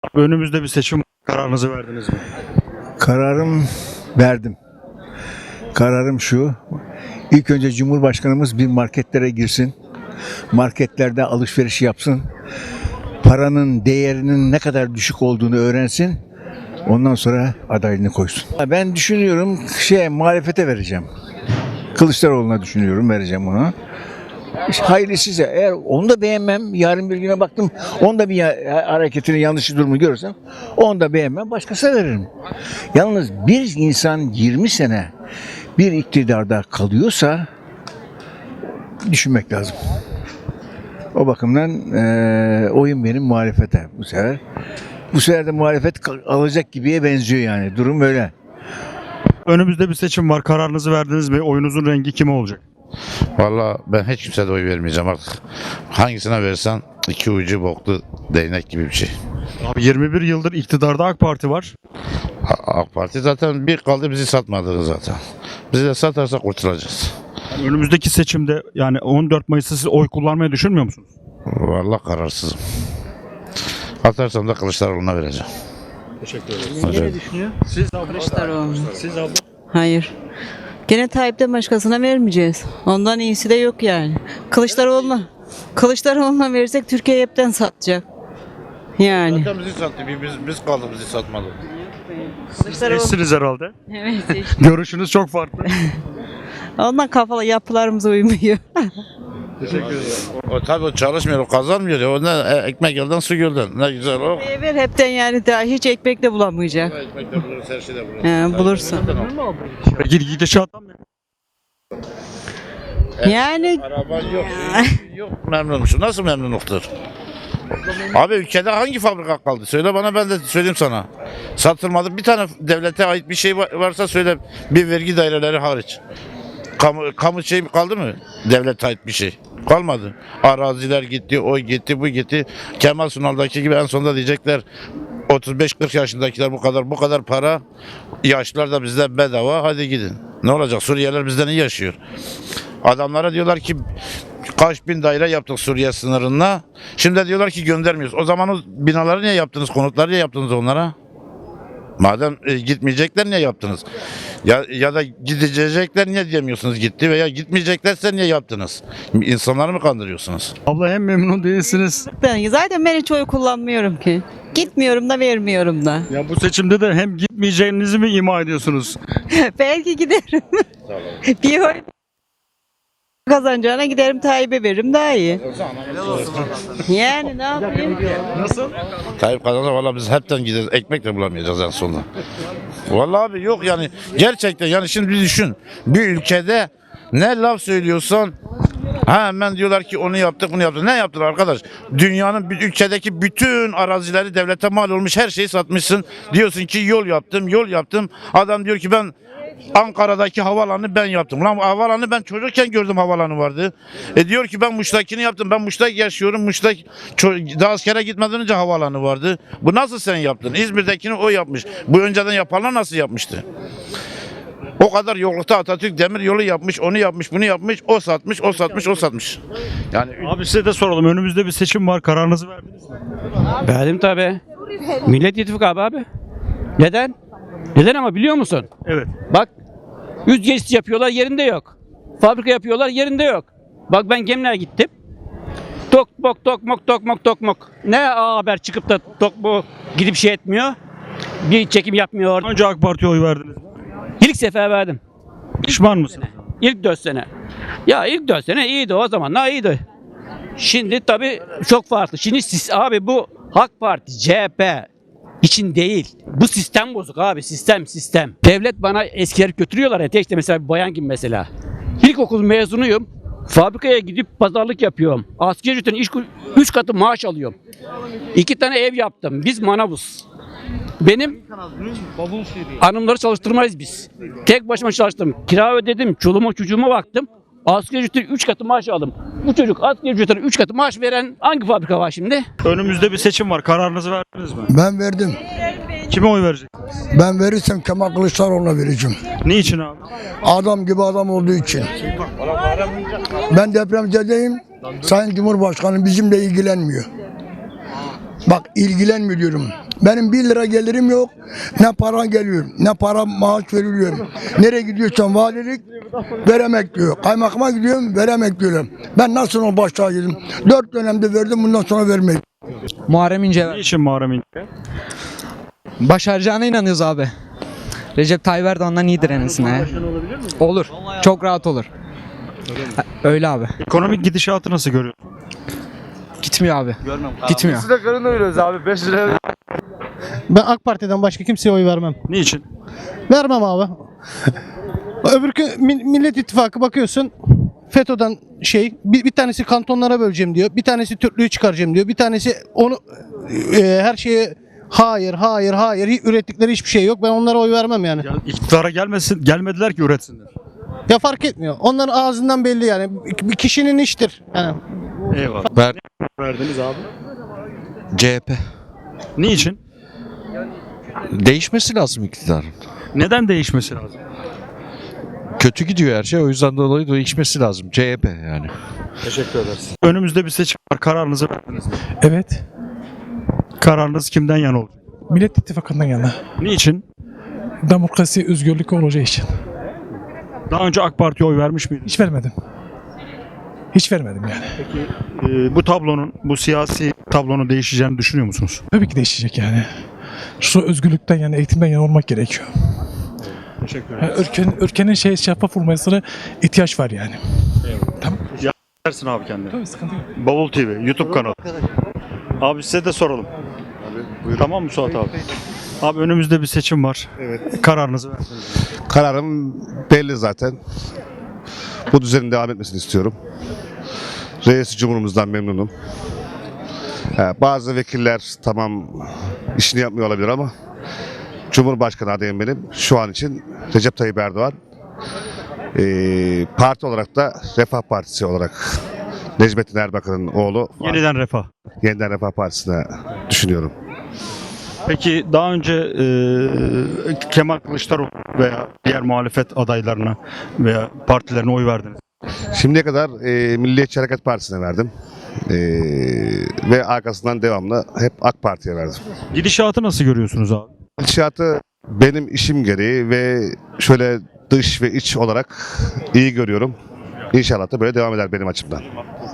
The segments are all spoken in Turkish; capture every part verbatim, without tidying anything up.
Önümüzde bir seçim, kararınızı verdiniz mi? Kararım verdim. Kararım şu. İlk önce Cumhurbaşkanımız bir marketlere girsin. Marketlerde alışveriş yapsın. Paranın değerinin ne kadar düşük olduğunu öğrensin. Ondan sonra adaylığını koysun. Ben düşünüyorum şey muhalefete vereceğim. Kılıçdaroğlu'na düşünüyorum vereceğim ona. İşte hayırlısıysa eğer onu da beğenmem, yarın bir güne baktım onu da bir ya- hareketini yanlış durumu görürsem onu da beğenmem, başkasına veririm. Yalnız bir insan yirmi sene bir iktidarda kalıyorsa düşünmek lazım. O bakımdan eee oyun benim muhalefete bu sefer. Bu sefer de muhalefet kal- alacak gibiye benziyor yani. Durum böyle. Önümüzde bir seçim var, kararınızı verdiniz mi? Oyunuzun rengi kime olacak? Valla ben hiç kimseye de oy vermeyeceğim artık. Hangisine versen iki ucu boklu değnek gibi bir şey. Abi yirmi bir yıldır iktidarda AK Parti var. A- AK Parti zaten bir kaldı bizi satmadı zaten. Bizi de satarsa kurtulacağız. Yani önümüzdeki seçimde yani on dört Mayıs'ta siz oy kullanmayı düşünmüyor musunuz? Valla kararsızım. Atarsam da Kılıçdaroğlu'na vereceğim. Teşekkür ederim. Hocam. Siz abla. Kılıçdaroğlu. Siz abla. Hayır. Gene Tayyip'ten başkasına vermeyeceğiz. Ondan iyisi de yok yani. Kılıçdaroğlu'na Kılıçdaroğlu'na verirsek Türkiye hepten satacak. Yani. Zaten bizi sattı. Biz, biz kaldı bizi satmadı. Kılıçdaroğlu. Eşsiniz herhalde. Evet. Görüşünüz çok farklı. Ondan kafalı yapılarımız uymuyor. Teşekkür ederim. O, tabii o çalışmıyor, o kazanmıyor. Ya. O ne e, ekmek yoldan su gölden. Ne güzel o. Ver hepten yani daha hiç ekmek de bulamayacak. Ekmek de buluruz, her şey de buluruz. He, bulursun. Peki gidişattan mı? Yani Araban yok, yok memnunmuş. Nasıl memnunluktur? Abi ülkede hangi fabrika kaldı? Söyle bana, ben de söyleyeyim sana. Satılmadı. Bir tane devlete ait bir şey varsa söyle, bir vergi daireleri hariç. Kamu, kamu şey kaldı mı? Devlete ait bir şey. Kalmadı. Araziler gitti, o gitti, bu gitti. Kemal Sunal'daki gibi en sonunda diyecekler otuz beş kırk yaşındakiler bu kadar bu kadar para, yaşlılar da bizden bedava, hadi gidin. Ne olacak? Suriyeliler bizden iyi yaşıyor. Adamlara diyorlar ki kaç bin daire yaptık Suriye sınırına. Şimdi diyorlar ki göndermiyoruz. O zaman o binaları niye yaptınız? Konutları niye yaptınız onlara? Madem e, gitmeyecekler niye yaptınız? Ya ya da gidecekler niye diyemiyorsunuz gitti, veya gitmeyeceklerse niye yaptınız? İnsanları mı kandırıyorsunuz? Abla hem memnun değilsiniz. ben zaten ben hiç oy kullanmıyorum ki. Gitmiyorum da vermiyorum da. Ya bu seçimde de hem gitmeyeceğinizi mi ima ediyorsunuz? Belki giderim. Bir oy kazanacağına giderim Tayyip'e veririm daha iyi. Yani ne yapayım? Nasıl? Tayyip kazansa valla biz hepten gideriz. Ekmek de bulamayacağız en sonunda. Vallahi abi yok yani, gerçekten yani şimdi bir düşün. Bir ülkede ne laf söylüyorsan ha, hemen diyorlar ki onu yaptık bunu yaptık. Ne yaptılar arkadaş? Dünyanın bir ülkedeki bütün arazileri devlete mal olmuş, her şeyi satmışsın. Diyorsun ki yol yaptım yol yaptım. Adam diyor ki ben Ankara'daki havalanı ben yaptım. Lan havalanı ben çocukken gördüm, havalanı vardı. E diyor ki ben Muş'takini yaptım. Ben Muş'ta yaşıyorum. Muş'ta daha askere gitmeden önce havalanı vardı. Bu nasıl sen yaptın? İzmir'dekini o yapmış. Bu önceden yapanlar nasıl yapmıştı? O kadar yoklukta Atatürk demir yolu yapmış, onu yapmış, bunu yapmış, o satmış, o satmış, o satmış. Yani Abi size de soralım. Önümüzde bir seçim var. Kararınızı verdiniz mi? Verdim tabi. Millet İttifakı abi. Neden? Neden ama biliyor musun? Evet. Bak, yüz geçit yapıyorlar, yerinde yok. Fabrika yapıyorlar, yerinde yok. Bak ben Gemliğe gittim. Tok mok tok mok tok mok tok mok. Ne A Haber çıkıp da tok bu gidip şey etmiyor. Bir çekim yapmıyor. Önce AK Parti'ye oy verdiniz mi? İlk sefer verdim. Pişman mısınız? İlk dört sene. Ya ilk dört sene iyiydi, o zamanlar iyiydi. Şimdi tabii çok farklı. Şimdi siz abi, bu AK Parti, C H P için değil. Bu sistem bozuk abi, sistem sistem. Devlet bana eskiler götürüyorlar ya, işte mesela bir bayan gibi mesela. İlkokul mezunuyum. Fabrikaya gidip pazarlık yapıyorum. Asgari ücretin iş üç katı maaş alıyorum. İki tane ev yaptım. Biz manavuz. Benim hanımları çalıştırmayız biz. Tek başıma çalıştım. Kira ödedim. Çoluğuma çocuğuma baktım. Asgari ücretin üç katı maaş aldım. Bu çocuk asgari ücretin üç katı maaş veren hangi fabrika var şimdi? Önümüzde bir seçim var. Kararınızı verdiniz mi? Ben verdim. Kime oy vereceksiniz? Ben verirsem Kemal Kılıçdaroğlu'na vereceğim. Niçin abi? Adam gibi adam olduğu için. Ben depremzedeyim. Sayın Cumhurbaşkanı bizimle ilgilenmiyor. Bak ilgilenmiyor diyorum. Benim bir lira gelirim yok. Ne para geliyor, ne para maaş veriliyor. Nereye gidiyorsam valilik veremek diyor. Kaymakama gidiyorum veremek diyorlar. Ben nasıl o başlığa girdim? Dört dönemde verdim, bundan sonra vermeyin. Muharrem İnce ver. Niçin Muharrem İnce? Başaracağına inanıyoruz abi. Recep Tayyip Erdoğan'dan iyidir en azından. Olur. Çok rahat olur. Ha, Öyle abi. Ekonomik gidişatı nasıl görüyorsun? Gitmiyor abi. Gitmiyor. Ben AK Parti'den başka kimseye oy vermem. Niçin? Vermem abi. Öbürkü Mi- Millet İttifakı bakıyorsun FETÖ'den şey bir, bir tanesi kantonlara böleceğim diyor. Bir tanesi Türklüğü çıkaracağım diyor. Bir tanesi onu e, her şeye hayır hayır hayır hiç ürettikleri hiçbir şey yok. Ben onlara oy vermem yani. Ya iktidara gelmesin, gelmediler ki üretsinler. Ya fark etmiyor. Onların ağzından belli yani. Bir kişinin iştir. Yani Eyvallah. Ver. Verdiniz abi. C H P. Niçin? Değişmesi lazım iktidarın. Neden değişmesi lazım? Kötü gidiyor her şey, o yüzden dolayı değişmesi lazım. C H P yani. Teşekkür ederiz. Önümüzde bir seçim var. Kararınızı verdiniz mi? Evet. Kararınız kimden yana olacak? Millet İttifakı'ndan yana. Niçin? Demokrasi, özgürlük olacağı için. Daha önce AK Parti'ye oy vermiş miydiniz? Hiç vermedim. Hiç vermedim yani. Ee, bu tablonun, bu siyasi tablonun değişeceğini düşünüyor musunuz? Tabii ki değişecek yani. Şu özgürlükten yani eğitimden yana olmak gerekiyor. Teşekkür Yani ülkenin, ülkenin şey şeffaf olmasına ihtiyaç var yani. Tamam. Dersin abi kendine. Tabii sıkıntı yok. Bavul T V, YouTube kanalı. Abi size de soralım. Tamam mı Suat abi? Abi önümüzde bir seçim var. Evet. Kararınızı verdiniz. Kararım belli zaten. Bu düzenin devam etmesini istiyorum. Reis Cumhurumuzdan memnunum. Ha, bazı vekiller tamam işini yapmıyor olabilir ama Cumhurbaşkanı adayım benim. Şu an için Recep Tayyip Erdoğan. Ee, parti olarak da Refah Partisi olarak Necmettin Erbakan'ın oğlu. Yeniden Refah. Yeniden Refah Partisi'ne düşünüyorum. Peki daha önce e, Kemal Kılıçdaroğlu veya diğer muhalefet adaylarına veya partilerine oy verdiniz. Şimdiye kadar e, Milliyetçi Hareket Partisi'ne verdim. E, ve arkasından devamlı hep AK Parti'ye verdim. Gidişatı nasıl görüyorsunuz abi? İnşaatı benim işim gereği ve şöyle dış ve iç olarak iyi görüyorum. İnşallah da böyle devam eder benim açımdan.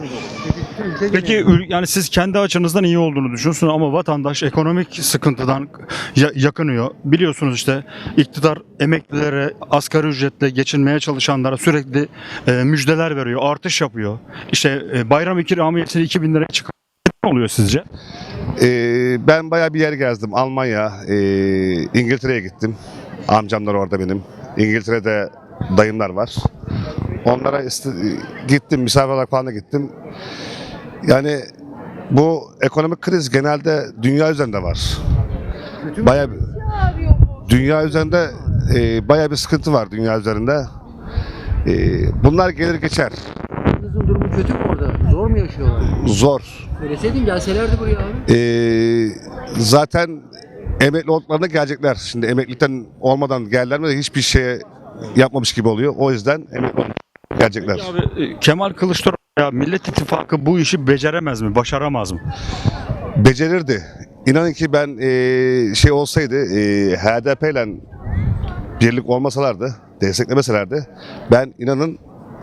Peki ül- yani siz kendi açınızdan iyi olduğunu düşünüyorsunuz ama vatandaş ekonomik sıkıntıdan ya- yakınıyor. Biliyorsunuz işte iktidar emeklilere, asgari ücretle geçinmeye çalışanlara sürekli e, müjdeler veriyor, artış yapıyor. İşte e, bayram ikramiyesini iki bin liraya çıkarıyor. Ne oluyor sizce? E, ben bayağı bir yer gezdim. Almanya, e, İngiltere'ye gittim. Amcamlar orada benim. İngiltere'de dayımlar var. Onlara iste- gittim, misafir olarak falan da gittim. Yani bu ekonomik kriz genelde dünya üzerinde var. Bayağı bir, dünya üzerinde e, bayağı bir sıkıntı var dünya üzerinde. E, bunlar gelir geçer. Kızın durumu kötü mü orada? Zor mu yaşıyorlar? Zor. Söyleseydin gelselerdi buraya abi. E, zaten emekli olduklarında gelecekler. Şimdi emeklilikten olmadan gelirler mi hiçbir şeye yapmamış gibi oluyor. O yüzden emekli olup gelecekler. Abi, e, Kemal Kılıçdaroğlu ya Millet İttifakı bu işi beceremez mi, başaramaz mı? Becerirdi. İnanın ki ben e, şey olsaydı e, H D P ile birlik olmasalardı, desteklemeselerdi ben inanın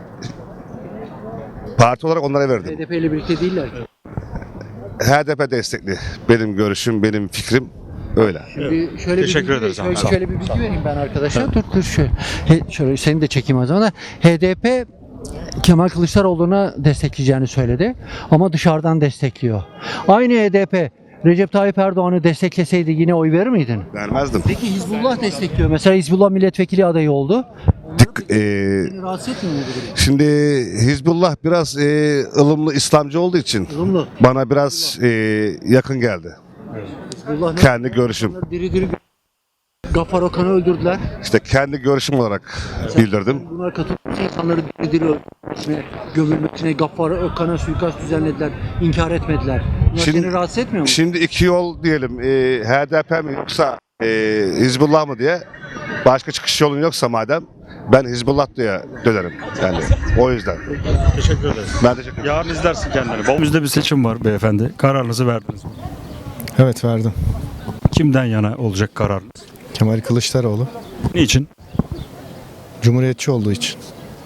parti olarak onlara verdim. H D P ile birlikte değiller ki. H D P destekli. Benim görüşüm, benim fikrim öyle. Şimdi şöyle Teşekkür bir bilgi, ederiz abi, Şöyle, sağ ol. şöyle bir bilgi vereyim ben arkadaşlar. Dur dur şöyle. He, şöyle seni de çekeyim o zaman. H D P Kemal Kılıçdaroğlu'na destekleyeceğini söyledi ama dışarıdan destekliyor. Aynı H D P Recep Tayyip Erdoğan'ı destekleseydi yine oy verir miydin? Vermezdim. Peki Hizbullah destekliyor. Mesela Hizbullah milletvekili adayı oldu. Dik, e, Seni rahatsız etmiyor mu bu durum? şimdi Hizbullah biraz e, ılımlı İslamcı olduğu için Ilımlı. bana biraz e, yakın geldi. Hizbullah ne? Kendi görüşüm. Diri diri Gaffar Okan'ı öldürdüler. İşte kendi görüşüm olarak bildirdim. Bunlar katılmış insanları diri diri öldürmesine, gömülmesine, Gaffar Okan'a suikast düzenlediler, inkar etmediler. Bunlar Şimdi- seni rahatsız etmiyor mu? Şimdi iki yol diyelim. E, H D P mi yoksa e, Hizbullah mı diye. Başka çıkış yolun yoksa madem ben Hizbullah diye dönerim. Yani o yüzden. Teşekkür ederiz. Ben teşekkür ederim. Yarın izlersin kendini. Önümüzde bir seçim var beyefendi. Kararınızı verdiniz. Evet verdim. Kimden yana olacak kararınız? Kemal Kılıçdaroğlu. Niçin? Cumhuriyetçi olduğu için.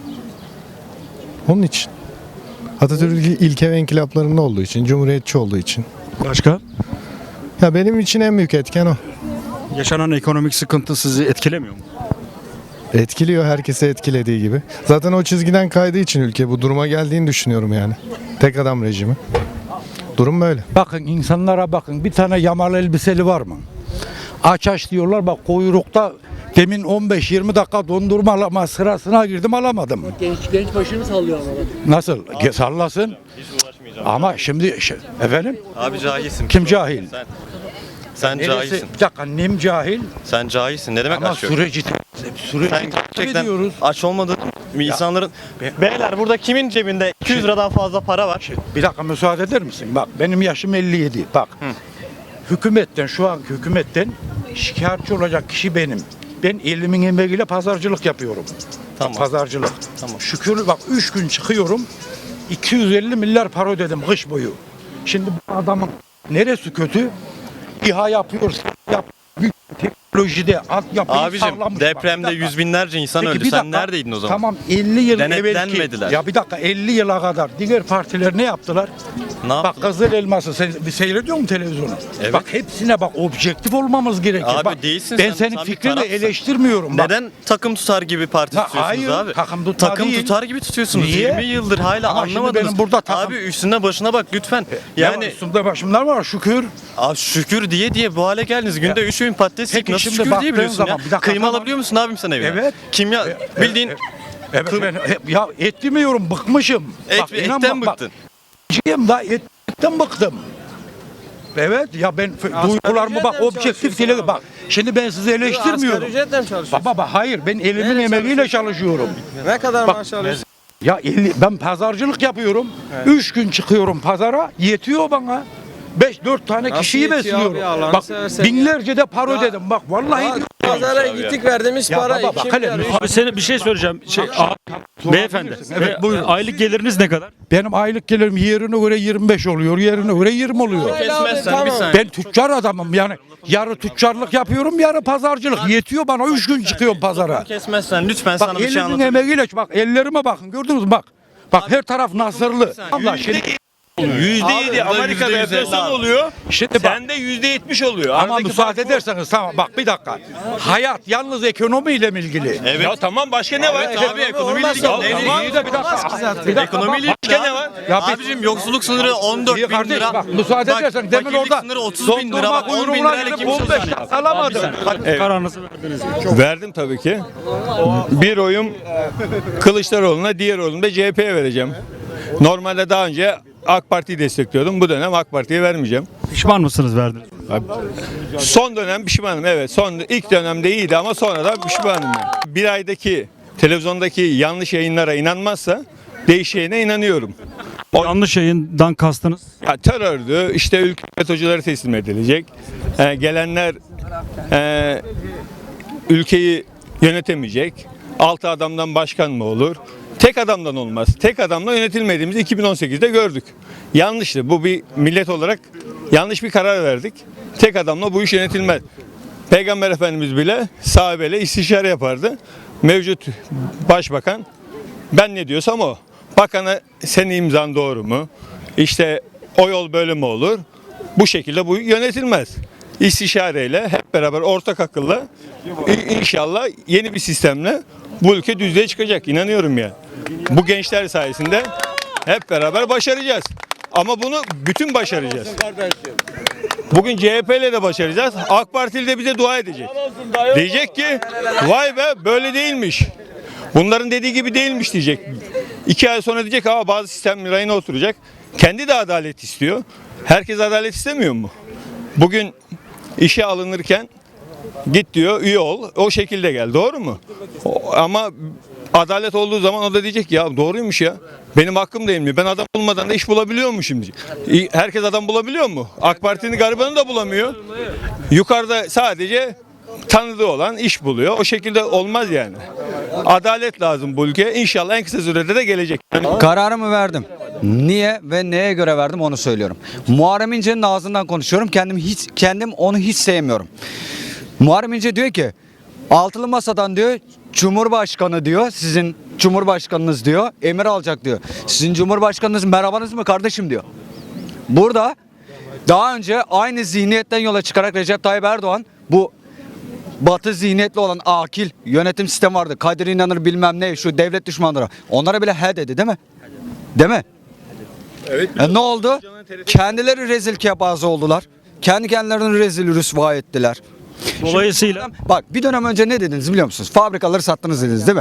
Onun için. Atatürk ilke ve inkılaplarında olduğu için. Cumhuriyetçi olduğu için. Başka? Ya benim için en büyük etken o. Yaşanan ekonomik sıkıntı sizi etkilemiyor mu? Etkiliyor, herkese etkilediği gibi. Zaten o çizgiden kaydığı için ülke bu duruma geldiğini düşünüyorum yani. Tek adam rejimi. Durum böyle. Bakın insanlara bakın. Bir tane yamalı elbiseli var mı? Aç aç diyorlar. Bak kuyrukta demin on beş yirmi dakika dondurma alama sırasına girdim, alamadım. Genç genç başını sallıyor ama. Nasıl? Ge- Sallasın. Ama şimdi şey- efendim? Abi cahilsin. Kim cahil? Sen. Sen Neresi- cahilsin. Bir dakika, annem cahil. Sen cahilsin. Ne demek Ama aç yok? süreci süreci Sen gerçekten ediyoruz. aç olmadığın insanların... Beyler burada kimin cebinde iki yüz liradan fazla para var? Bir dakika müsaade eder misin? Bak benim yaşım elli yedi. Bak. Hükümetten, şu anki hükümetten şikayetçi olacak kişi benim. Ben elimin emeğiyle pazarcılık yapıyorum. Tamam. Pazarcılık. Tamam. Şükür bak üç gün çıkıyorum. iki yüz elli milyar para ödedim kış boyu. Şimdi bu adamın neresi kötü? İHA yapıyor, yap, büyük teknolojide altyapıyı Abicim sağlamış. Bak, depremde bir dakika. yüz binlerce insan Peki, öldü. bir Sen dakika. neredeydin o zaman? Tamam elli yıl Denetlenmediler. evvelki. Ya bir dakika elli yıla kadar diğer partiler ne yaptılar? Ne Bak yaptın? Kızıl Elması sen bir seyrediyor musun televizyonu? Evet. Bak hepsine bak objektif olmamız gerekiyor. Abi bak, değilsin ben sen, senin sen bir fikrini tarafsın. eleştirmiyorum. Bak. Neden takım tutar gibi parti Ha, tutuyorsunuz hayır, abi? takım tutma Takım değil. tutar gibi tutuyorsunuz. Niye? yirmi yıldır hala Ama şimdi anlamadınız. benim burada takım- Abi üstüne başına bak lütfen. Yani Yani üstümde başımlar var şükür. abi şükür diye diye bu hale geldiniz. Günde üç öğün patates yiyip Peki nasıl şimdi şükür baktığın diyebiliyorsun ya? zaman, bir dakika, Kıyma tamam. alabiliyor musun abim sen evine? Evet. Kimya bildiğin Evet ben hep- ya et demiyorum bıkmışım. et, Bak, inan etten bak, bak, bıktın. Ciyim da etten bıktım. Evet ya ben f- duygularımı bak objektif dile bak. Şimdi ben sizi eleştirmiyorum. ücretle mi çalışıyorsun? Baba bak hayır ben elimin emeğiyle çalışıyorum. Ne kadar Bak, maaş alıyorsun? Ya elli, ben pazarcılık yapıyorum. Üç gün çıkıyorum pazara yetiyor bana. Beş dört tane Nasıl kişiyi yetiyor besliyorum. abi, Allah'ını Bak seversen binlerce de para Ya- ödedim. Bak vallahi Ya, pazara gittik verdiğimiz Ya para baba, bak iki hele, milyar, üç Abi senin bir şey söyleyeceğim. Şey, abi, beyefendi. Evet, e, buyurun. Aylık geliriniz ne kadar? benim aylık gelirim yerine göre yirmi beş oluyor, yerine göre yirmi oluyor. Kesmezsen bir saniye. Ben tüccar adamım yani. Yarı tüccarlık yapıyorum, yarı pazarcılık. Yetiyor bana. Üç gün çıkıyorum pazara. Kesmezsen lütfen Bak sana bir şey elimin anlatayım. emeğiyle bak ellerime bakın gördünüz mü bak. Bak her taraf nasırlı. Allah şimdi yüzde yedi Amerika'da enflasyon oluyor. Şimdi bak. Sende yüzde yetmiş oluyor. Ama Aradaki müsaade fark bu. ederseniz tamam bak bir dakika. Hayat yalnız ekonomiyle mi ilgili? Evet. Ya tamam başka ne var? Abi ekonomiyle olmaz ilgili. ya. Ne- Tamam, iyi de bir dakika. Bir dakika, Ekonomiyle bak, ilgili ne var? Ya bir- Abicim yoksulluk sınırı on dört İyi bin kardeş, lira. bak müsaade edersen demin fakirlik orada sınırı otuz bin lira. dondurma Bak on bin kuyruğuna lirayla girip kimse on beş çalışmıyor. alamadım. Kararınızı verdiniz mi? Verdim tabii ki. Bir oyum Kılıçdaroğlu'na, diğer oyumu da C H P'ye vereceğim. Normalde daha önce AK Parti'yi destekliyordum. Bu dönem AK Parti'ye vermeyeceğim. Pişman mısınız verdiniz? Son dönem pişmanım, evet. Son ilk dönemde iyiydi ama sonradan pişmanım. Yani. Bir aydaki televizyondaki yanlış yayınlara inanmazsa değişeceğine inanıyorum. O yanlış yayından kastınız? Ya terördü, işte ülke FETÖ'cülere teslim edilecek. Ee, gelenler e, ülkeyi yönetemeyecek. Altı adamdan başkan mı olur? Tek adamdan olmaz. Tek adamla yönetilmediğimizi iki bin on sekizde gördük. Yanlıştı. Bu bir millet olarak yanlış bir karar verdik. Tek adamla bu iş yönetilmez. Peygamber Efendimiz bile sahabeyle istişare yapardı. Mevcut başbakan ben ne diyorsam o. Bakana senin imzan doğru mu? İşte o yol böyle mi olur? Bu şekilde bu yönetilmez. İstişareyle hep beraber ortak akılla i- inşallah yeni bir sistemle bu ülke düzlüğe çıkacak. İnanıyorum ya. Bu gençler sayesinde hep beraber başaracağız. Ama bunu bütün başaracağız. Bugün C H P ile de başaracağız. AK Partili de bize dua edecek. Diyecek ki vay be böyle değilmiş. Bunların dediği gibi değilmiş diyecek. İki ay sonra diyecek ama bazı sistem rayına oturacak. Kendi de adalet istiyor. Herkes adalet istemiyor mu? Bugün işe alınırken git diyor üye ol. O şekilde gel. Doğru mu? O- ama adalet olduğu zaman o da diyecek ya doğruymuş ya. Benim hakkım değil mi? Ben adam bulmadan da iş bulabiliyor mu şimdi? Herkes adam bulabiliyor mu? AK Parti'nin garibanı da bulamıyor. Yukarıda sadece tanıdığı olan iş buluyor. O şekilde olmaz yani. Adalet lazım bu ülkeye. İnşallah en kısa sürede de gelecek. Kararımı verdim. Niye ve neye göre verdim onu söylüyorum. Muharrem İnce'nin ağzından konuşuyorum. Kendim hiç kendim onu hiç sevmiyorum. Muharrem İnce diyor ki altılı masadan diyor Cumhurbaşkanı diyor sizin Cumhurbaşkanınız diyor emir alacak diyor. Sizin Cumhurbaşkanınız merhabanız mı kardeşim diyor. Burada daha önce aynı zihniyetten yola çıkarak Recep Tayyip Erdoğan bu Batı zihniyetli olan akil yönetim sistemi vardı. Kadir İnanır bilmem ne şu devlet düşmanları. Onlara bile he dedi değil mi? Değil mi? Evet. E ne oldu? Kendileri rezil kebazı oldular. Kendi kendilerini rezil rüsva ettiler. Dolayısıyla Şimdi, bak bir dönem önce ne dediniz biliyor musunuz? Fabrikaları sattınız dediniz değil mi?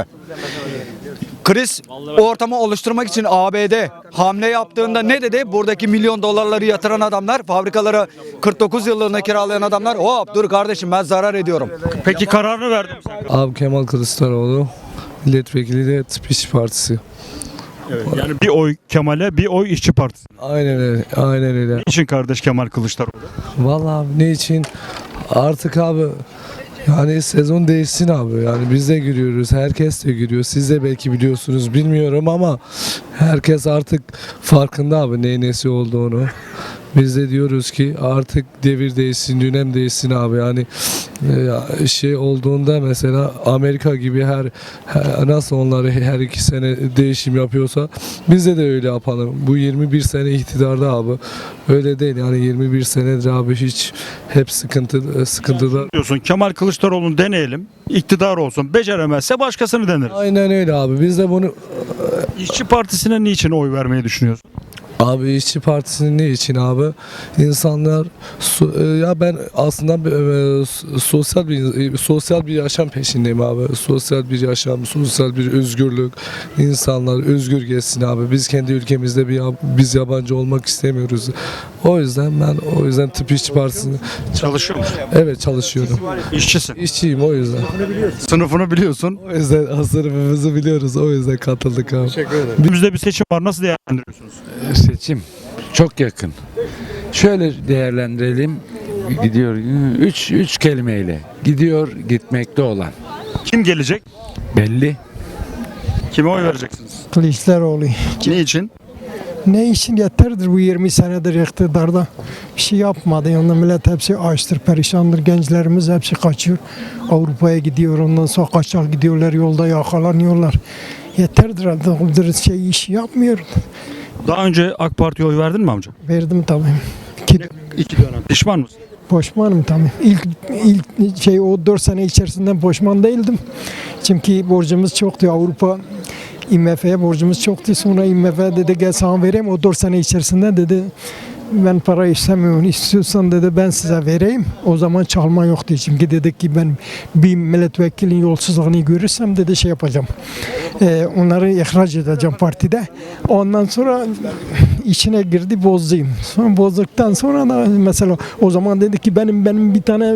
Kriz ortamı oluşturmak için A B D hamle yaptığında ne dedi? Buradaki milyon dolarları yatıran adamlar, fabrikaları kırk dokuz yıllığına kiralayan adamlar hop dur kardeşim ben zarar ediyorum. peki kararını verdim. Abi Kemal Kılıçdaroğlu milletvekili de Tıp İşçi Partisi. Evet, yani bir oy Kemal'e bir oy İşçi Partisi. Aynen öyle. Aynen öyle. Niçin kardeş Kemal Kılıçdaroğlu? Vallahi abi ne için? Artık abi yani sezon değişsin abi. Yani biz de giriyoruz. Herkes de giriyor. Siz de belki biliyorsunuz bilmiyorum ama herkes artık farkında abi neyin nesi olduğunu. Biz de diyoruz ki artık devir değişsin, dönem değişsin abi. Yani e, şey olduğunda mesela Amerika gibi her, her nasıl onları her iki sene değişim yapıyorsa biz de de öyle yapalım. Bu yirmi bir sene iktidarda abi. Öyle değil yani yirmi bir senedir abi hiç hep sıkıntı sıkıntıda. Diyorsun Kemal Kılıçdaroğlu'nu deneyelim. İktidar olsun. Beceremezse başkasını deneriz. Aynen öyle abi. Biz de bunu İşçi Partisi'ne niçin oy vermeyi düşünüyorsun? Abi İşçi Partisi'nin ne için abi? İnsanlar so- ya ben aslında e, sosyal bir sosyal bir yaşam peşindeyim abi. Sosyal bir yaşam, sosyal bir özgürlük. İnsanlar özgür geçsin abi. Biz kendi ülkemizde bir biz yabancı olmak istemiyoruz. O yüzden ben o yüzden Tıp İşçi Partisi'ni Çalışıyor musun? evet çalışıyorum. İşçisin. İşçiyim o yüzden. Sınıfını biliyorsun. O yüzden sınıfımızı biliyoruz. O yüzden katıldık abi. Önümüzde bir seçim var. Nasıl değerlendiriyorsunuz? Seçim çok yakın. Şöyle değerlendirelim. Gidiyor üç üç kelimeyle. Gidiyor gitmekte olan. Kim gelecek? Belli. Kime oy vereceksiniz? Kılıçdaroğlu. Niçin? Ne için yeterdir bu yirmi senedir iktidarda bir şey yapmadı. Yani millet hepsi açtır, perişandır. Gençlerimiz hepsi kaçıyor. Avrupa'ya gidiyor. Ondan sonra kaçak gidiyorlar. Yolda yakalanıyorlar. Yeterdir artık. Şey iş yapmıyor. Daha önce AK Parti'ye oy verdin mi amca? Verdim tabii. İki, İki dönem. Pişman mısın? Pişmanım tabii. İlk, ilk şey o dört sene içerisinde pişman değildim. Çünkü borcumuz çoktu. Avrupa I M F'ye borcumuz çoktu. Sonra I M F dedi gel sana vereyim. O dört sene içerisinde dedi ben para istemiyorum. İstiyorsan dedi ben size vereyim. O zaman çalma yoktu. Çünkü dedik ki ben bir milletvekilinin yolsuzluğunu görürsem dedi şey yapacağım. Ee, onları ihraç edeceğim partide. Ondan sonra içine girdi bozdum. Sonra bozduktan sonra da mesela o zaman dedi ki benim benim bir tane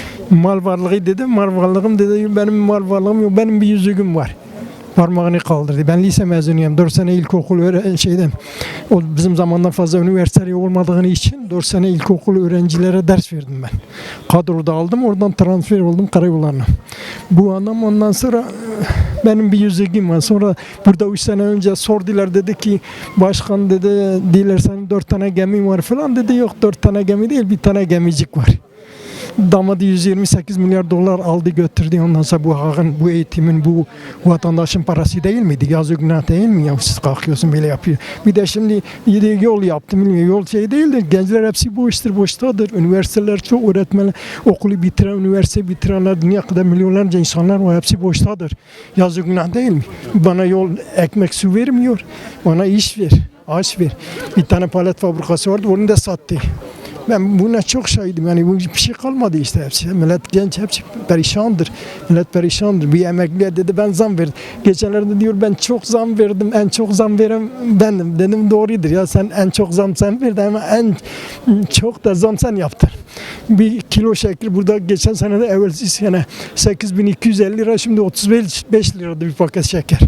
mal varlığı dedi. Mal varlığım dedi benim mal varlığım yok. Benim bir yüzüğüm var. Parmağını kaldırdı. Ben lise mezunuyum. dört sene ilkokul öğre- şeyden o bizim zamandan fazla üniversite olmadığını için dört sene ilkokul öğrencilere ders verdim ben. Kadroda aldım. Oradan transfer oldum karayollarına. Bu adam ondan sonra benim bir yüzüğüm var. Sonra burada üç sene önce sordular dedi ki başkan dedi dilersen dört tane gemi var falan dedi. Yok dört tane gemi değil bir tane gemicik var. Damadı yüz yirmi sekiz milyar dolar aldı götürdü. Ondan sonra bu halkın, bu eğitimin, bu vatandaşın parası değil miydi? Yazık günah değil mi? Ya siz kalkıyorsun böyle yapıyor. Bir de şimdi yol yaptım bilmiyorum. Yol şey değildir. Gençler hepsi boştur, boştadır. Üniversiteler çok öğretmenler, okulu bitiren, üniversite bitirenler, dünya kadar milyonlarca insanlar var. Hepsi boştadır. Yazık günah değil mi? Bana yol, ekmek, su vermiyor. Bana iş ver, aş ver. Bir tane palet fabrikası vardı, onu da sattı. Ben buna çok şahidim. Yani bu bir şey kalmadı işte hepsi. Millet genç hepsi perişandır. Millet perişandır. Bir emekliye dedi ben zam verdim. Geçenlerde diyor ben çok zam verdim. En çok zam veren bendim. Dedim doğrudur ya sen en çok zam sen verdin ama en çok da zam sen yaptın. Bir kilo şeker burada geçen sene de evvelsi sene sekiz bin iki yüz elli lira şimdi otuz beş lirada bir paket şeker.